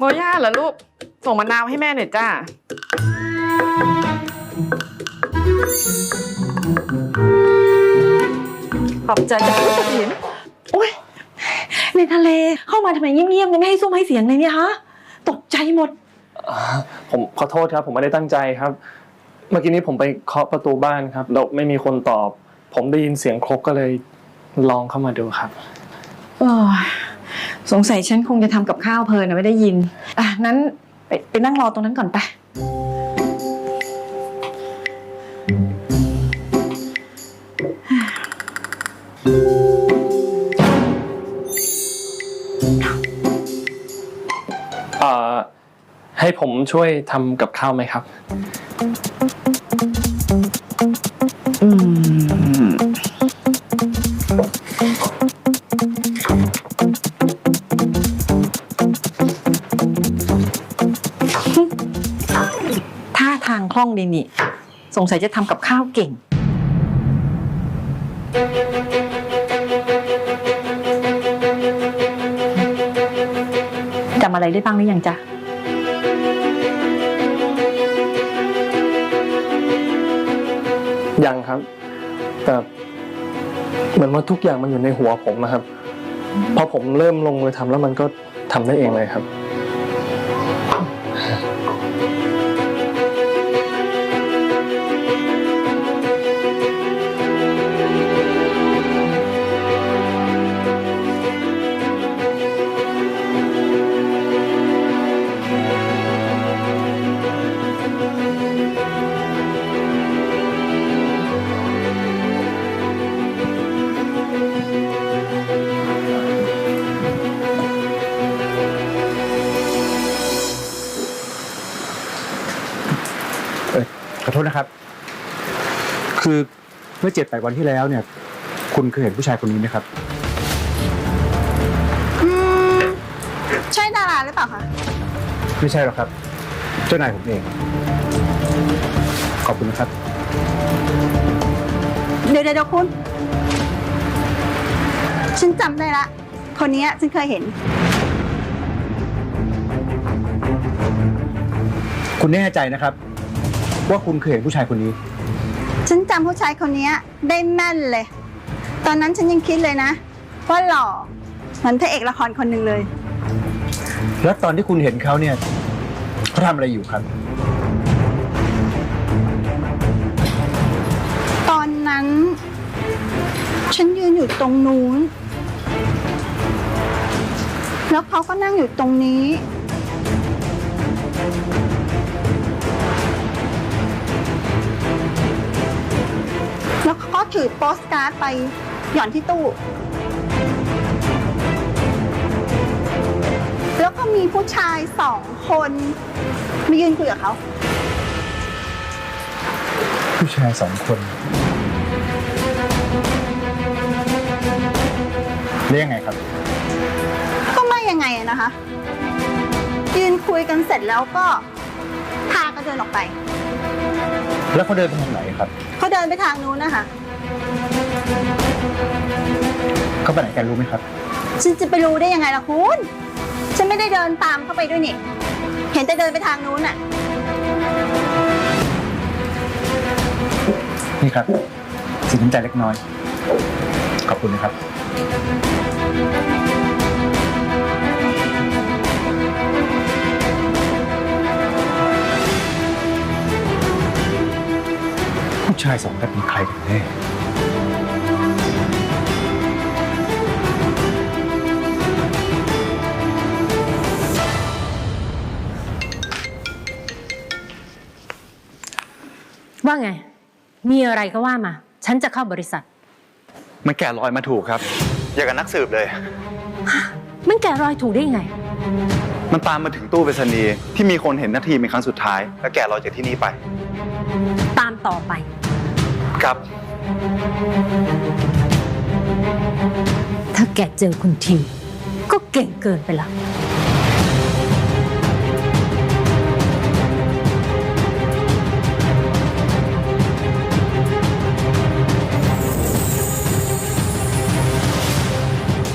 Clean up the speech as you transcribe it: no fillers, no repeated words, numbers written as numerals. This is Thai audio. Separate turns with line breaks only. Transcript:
โมย่าเหรอลูกส่งมะนาวให้แม่หน่อยจ้าขอบใจจ้ะลูกหิน
โอ๊ยในทะเลเข้ามาทำไมเงียบๆไม่ให้ซุ้มให้เสียงเลยเนี่ยฮะตกใจหมด
ผมขอโทษครับผมไม่ได้ตั้งใจครับเมื่อกี้นี้ผมไปเคาะประตูบ้านครับแล้วไม่มีคนตอบผมได้ยินเสียงครกก็เลยลองเข้ามาดูครับ
สงสัยฉันคงจะทำกับข้าวเพลินนะไม่ได้ยินนั้นไปนั่งรอตรงนั้นก่อนไป
ให้ผมช่วยทำกับข้าวไหมครับ
ท่าทางคล่องดีนี่สงสัยจะทำกับข้าวเก่งจำอะไรได้บ้างหรือยังจ๊ะ
ยังครับแต่เหมือนว่าทุกอย่างมันอยู่ในหัวผมนะครับพอผมเริ่มลงมือทำแล้วมันก็ทำได้เองเลยครับ
ขอโทษนะครับคือเมื่อ7-8 วันที่แล้วเนี่ยคุณเคยเห็นผู้ชายคนนี้ไหมครับ
ใช่ดาราหรือเปล่าคะ
ไม่ใช่หรอกครับเจ้านายผมเองขอบคุณนะครับ
เดี๋ยวคุณฉันจำได้ละคนนี้ฉันเคยเห็น
คุณแน่ใจนะครับว่าคุณเคยเห็นผู้ชายคนนี้
ฉันจำผู้ชายคนนี้ได้แม่นเลยตอนนั้นฉันยังคิดเลยนะว่าหล่อเหมือนพระเอกละครคนหนึ่งเลย
แล้วตอนที่คุณเห็นเขาเนี่ยเขาทำอะไรอยู่ครับ
ตอนนั้นฉันยืนอยู่ตรงนู้นแล้วเขาก็นั่งอยู่ตรงนี้แล้วเขาก็ถือโปสการ์ดไปหย่อนที่ตู้แล้วก็มีผู้ชาย2 คนมายืนคุยกับเขา
ผู้ชาย2 คนเรียกยังไงครับ
ก็ไม่ยังไงนะคะยืนคุยกันเสร็จแล้วก็พากันเดินออกไป
แล้วเขาเดินไปทางไหนครับ
เขาเดินไปทางนู้นนะคะ
เขาไปไหนกันรู้ไหมครับ
ฉันจะไปรู้ได้ยังไงล่ะคุณฉันไม่ได้เดินตามเข้าไปด้วยนี่เห็นแต่เดินไปทางนู้นน่ะ
นี่ครับสินน้ำใจเล็กน้อยขอบคุณนะครับผู้ชาย2 คนเป็นใครกันแน่
ว่าไงมีอะไรก็ว่ามาฉันจะเข้าบริษัท
มันแกะรอยมาถูกครับอย่างกับนักสืบเลย
มันแกะรอยถูกได้ยังไง
มันตามมาถึงตู้ไปรษณีย์ที่มีคนเห็นนาทีเป็นครั้งสุดท้ายแล้วแกะรอยจากที่นี่ไป
ตามต่อไป
ครับ
ถ้าแกเจอคุณทีก็เก่งเกินไปละ